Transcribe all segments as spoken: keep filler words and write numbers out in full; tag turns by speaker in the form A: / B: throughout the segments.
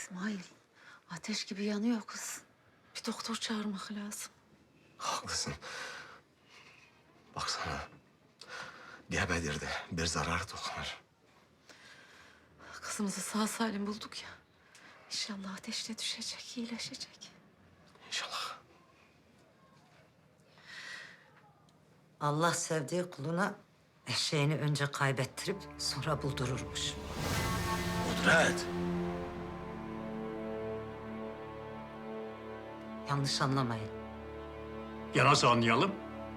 A: İsmail, ateş gibi yanıyor kız. Bir doktor çağırmak lazım.
B: Haklısın. Baksana. Gebedirdi. Bir zarar dokunur.
A: Kızımızı sağ salim bulduk ya. İnşallah ateşle düşecek, iyileşecek.
B: İnşallah.
C: Allah sevdiği kuluna eşeğini önce kaybettirip sonra buldururmuş.
B: Kudret.
C: Yanlış anlamayın.
D: Ya nasıl anlayalım?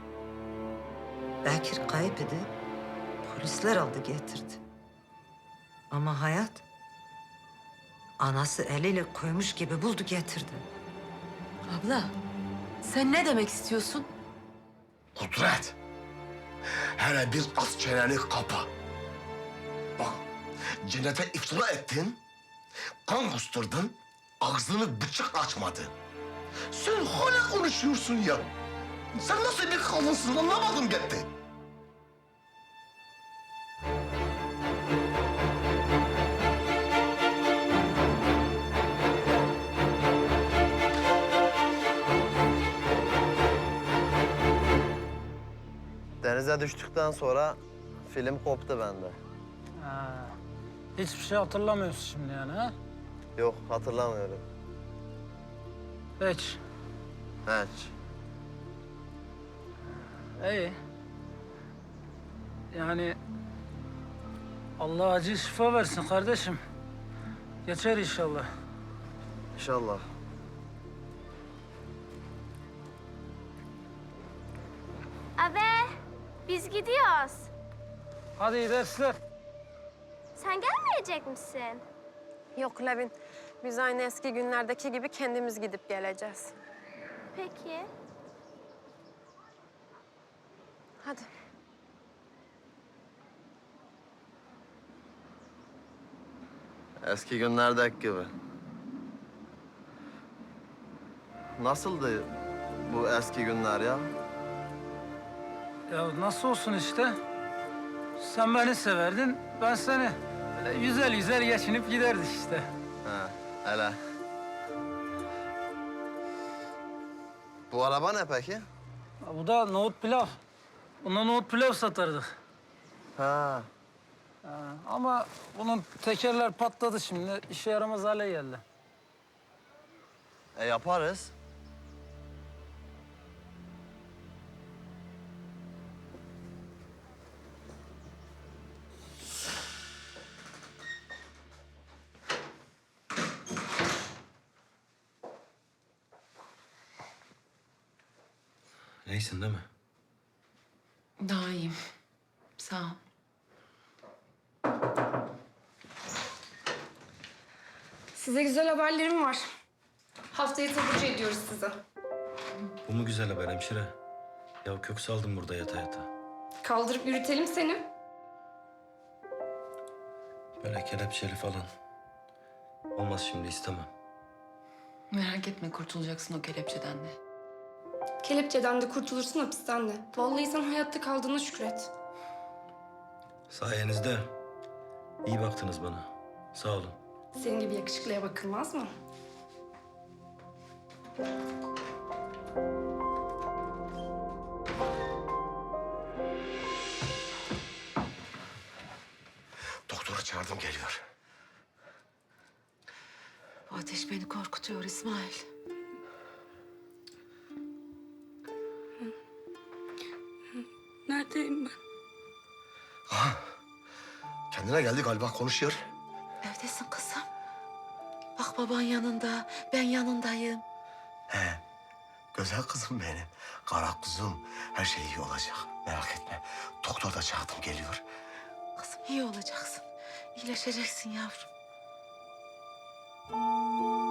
C: Bekir kayıp idi. Polisler aldı getirdi. Ama hayat anası eliyle koymuş gibi buldu getirdi.
A: Abla, sen ne demek istiyorsun?
B: Kudret. Hele bir az çeneni kapa. Bak, cennete iftira ettin, kan kusturdun, ağzını bıçak açmadı. Sen hala konuşuyorsun ya. Sen nasıl bir kadınsın anlamadım gitti.
E: Denize düştükten sonra film koptu bende.
F: Ha, hiçbir şey hatırlamıyorsun şimdi yani ha?
E: Yok, hatırlamıyorum.
F: Hiç.
E: Hiç.
F: İyi. Yani Allah acil şifa versin kardeşim. Geçer inşallah.
E: İnşallah.
G: Abi, biz gidiyoruz.
F: Hadi iyi dersler.
G: Sen gelmeyecek misin?
H: Yok Levin, biz aynı eski günlerdeki gibi kendimiz gidip geleceğiz.
G: Peki.
H: Hadi.
E: Eski günlerdeki gibi. Nasıldı bu eski günler ya?
F: Ya nasıl olsun işte? Sen beni severdin, ben seni. Böyle güzel güzel geçinip giderdik işte.
E: Ha, hele. Bu araba ne peki?
F: Ya bu da nohut pilav. Buna nohut pilav satardık.
E: Ha,
F: Ha, ama bunun tekerler patladı şimdi. İşe yaramaz hale geldi.
E: e yaparız.
B: İyisin değil mi?
A: Daha iyiyim. Sağ ol.
I: Size güzel haberlerim var. Haftaya taburcu ediyoruz sizi.
J: Bu mu güzel haber hemşire? Ya kök saldım burada yata yata.
I: Kaldırıp yürütelim seni.
J: Böyle kelepçeli falan. Olmaz şimdi istemem.
A: Merak etme, kurtulacaksın o kelepçeden de.
I: Kelepçeden de kurtulursun, hapisten de. Vallahi sen hayatta kaldığına şükret.
J: Sayenizde iyi baktınız bana. Sağ olun.
I: Senin gibi yakışıklıya bakılmaz mı?
B: Doktoru çağırdım geliyor.
A: Bu ateş beni korkutuyor İsmail.
I: Neredeyim ben?
B: Kendine geldi galiba konuşuyor.
A: Evdesin kızım. Bak baban yanında, ben yanındayım.
B: He, güzel kızım benim. Kara kuzum. Her şey iyi olacak. Merak etme. Doktor da çağırdım geliyor.
A: Kızım iyi olacaksın. İyileşeceksin yavrum.